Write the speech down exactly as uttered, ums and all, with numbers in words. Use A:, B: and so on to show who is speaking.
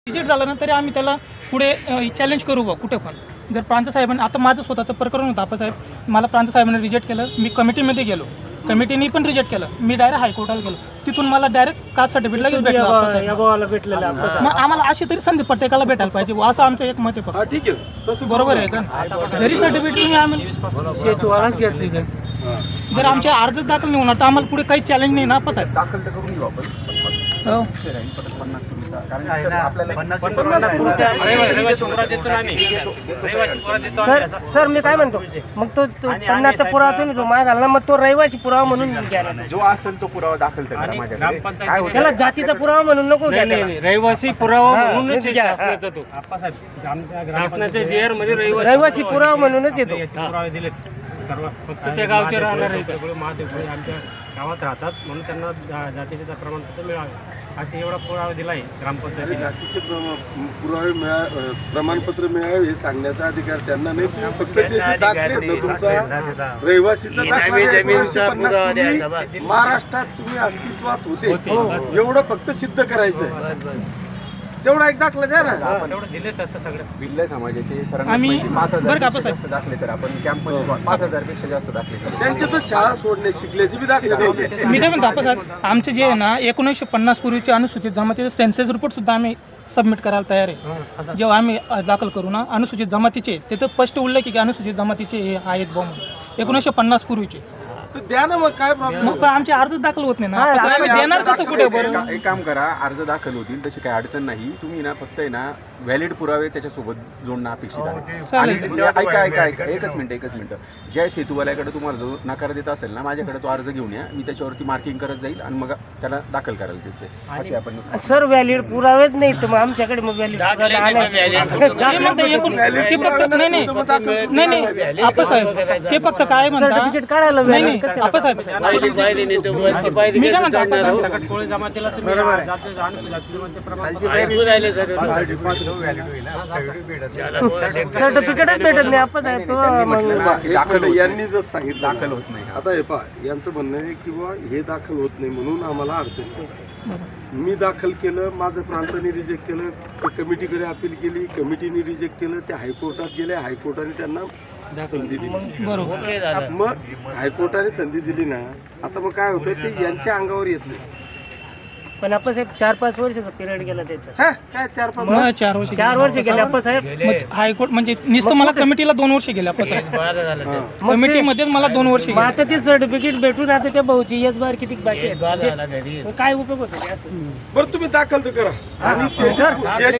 A: Reject झालं ना तरी आम्ही त्याला पुढे चॅलेंज करू बा कुठे पण. जर प्रांत साहेबांनी आता माझं स्वतःचं प्रकरण होतं आप्पासाहेब, मला प्रांत साहेबांनी रिजेक्ट केलं, मी कमिटीमध्ये गेलो, कमिटीने पण रिजेक्ट केलं, मी डायरेक्ट हायकोर्टाला गेलो, तिथून मला डायरेक्ट कास्ट सर्टिफिकेट लगेच भेटलं. मग आम्हाला अशी तरी संधी प्रत्येकाला भेटायला पाहिजे असं आमचं एक मत आहे.
B: ठीक आहे तसं
A: बरोबर आहे का? जरी सर्टिफिकेट तुम्ही आम्ही
C: शेतवालाच घेत नाही तर
A: जर आमच्या अर्ज दाखल नाही होणार तर आम्हाला पुढे काही चॅलेंज नाही ना आप्पासाहेब.
D: दाखल तर करून घेऊ आपण.
A: हो
D: पन्नास पूर्वीचा कारण आपल्याला
C: सर सर मी काय म्हणतो मग तो तो पन्नासचा पुरावा तुम्ही जो मागाल ना मग तो रहिवासी पुरावा म्हणून घ्या ना.
D: जो असेल तो पुरावा दाखल करा माझ्याकडे. काय होतं
C: त्याला जातीचा पुरावा म्हणून नको घ्या.
E: रहिवासी पुरावा म्हणूनच
C: घ्या.
E: शासनाचा तो शासनाच्या जी आर मध्ये
C: रहिवासी पुरावा म्हणूनच येतो.
F: पुरावे दिलेत सर्व.
E: फक्त त्या गावचे राहणार आहे.
F: महादेव आमच्या गावात राहतात म्हणून त्यांना जा- जातीचे प्रमाणपत्र मिळावे असे एवढा पुरावा दिलाय ग्रामपंचायतीने.
B: जातीचे प्रम- पुरावे मिळा अ, प्रमाणपत्र मिळावे हे सांगण्याचा अधिकार त्यांना नाही. फक्त त्याचे दाखले आहेत ना, तुमचा रहिवासीचा दाखला आहे. एकोणीसशे पन्नास पूर्वी महाराष्ट्रात तुम्ही अस्तित्वात होते एवढं फक्त सिद्ध करायचं. तेवढा एक दाखला द्या ना.
F: तेवढं दिले तसं सगळं.
D: भिल्ल समाजाचे
A: आम्ही-
D: सरांनी पाच
A: बरं का
D: हजार
A: आपण
D: जास्त दाखले सर आपण कॅम्प पाच हजार पेक्षा जास्त दाखले केले.
B: त्यांचे तर शाळा सोडणे शिकल्याचे बी दाखले द्यायचे.
A: मी काय म्हणतो आप्पासाहेब, आमचे जे आहे ना एकोणीसशे पन्नास पूर्वीचे अनुसूचित जमातीचे सेन्सेस रिपोर्ट सुद्धा आम्ही सबमिट करायला तयार आहे. जेव्हा आम्ही अ, दाखल करू ना अनुसूचित जमातीचे तिथं स्पष्ट उल्लेख आहे की अनुसूचित जमातीचे हे आहेत बॉ म्हणून एकोणीसशे पन्नास पूर्वीचे.
B: तर द्या ना मग काय प्रॉब्लेम.
A: मग आमचे अर्ज दाखल होत नाही ना आप्पासाहेब, आम्ही देणार कसं कुठे बरं.
D: एक एक काम करा, अर्ज दाखल होतील तशी काही अडचण नाही. तुम्ही ना फक्त आहे ना व्हॅलिड पुरावे त्याच्यासोबत जोडणं अपेक्षित आहे. आणि ऐका ऐका ऐका एकच मिनिट एकच मिनिट ज्या शेतूवाल्याकडे तुम्हाला जो नकार देत असेल ना माझ्याकडे तो अर्ज घेऊन या, मी त्याच्यावरती मार्किंग करत जाईल आणि मग त्याला दाखल करायला देते. अशी आपण
C: सर व्हॅलिड पुरावेच नाही तर मग आमच्याकडे मग व्हॅलिड
A: ते म्हणते एकूण ते फक्त नाही नाही नाही नाही आप्पासाहेब ते फक्त काय म्हणतात
C: सर्टिफिकेट काढायला
A: नाही
C: valid
A: नाही आप्पासाहेब मी काय म्हणतो आप्पासाहेब,
F: सगळ्यात कोळी जमातीला तुम्ही जातीचं अनुसूचित जमातीचे प्रमाणपत्र
C: सर्टिफिकेटच भेटत नाही आपण साहेब. तो मग
B: दाखल यांनी जर सांगितलं
D: दाखल होत नाही.
B: आता हे पहा यांचं म्हणणं आहे की बुवा हे दाखल होत नाही म्हणून आम्हाला अडचण येते. मी दाखल केलं, माझं प्रांताने रिजेक्ट केलं, ते कमिटीकडे अपील केली, कमिटीने रिजेक्ट केलं, ते हायकोर्टात गेले, हायकोर्टाने त्यांना संधी दिली.
A: बरोबर
B: मग हायकोर्टाने संधी दिली ना, आता मग काय होतं ते यांच्या अंगावर येत नाही.
C: पण आपण साहेब चार पाच वर्षाचा पिरियड गेला त्याचा.
B: हा काय चार पाच
A: मग चार वर्ष
C: चार वर्ष गेले आपण साहेब.
A: मग हायकोर्ट म्हणजे नुसतं मला कमिटीला दोन वर्ष गेले आप्पासाहेब, कमिटीमध्येच मला दोन वर्ष
C: मग
A: गेले.
C: आता ते सर्टिफिकेट भेटून आता त्या भाऊची यस बार किती बाकी आहे? मग काय उपयोग होतो ते असं.
B: बरं तुम्ही दाखल तर करा आणि ते जे-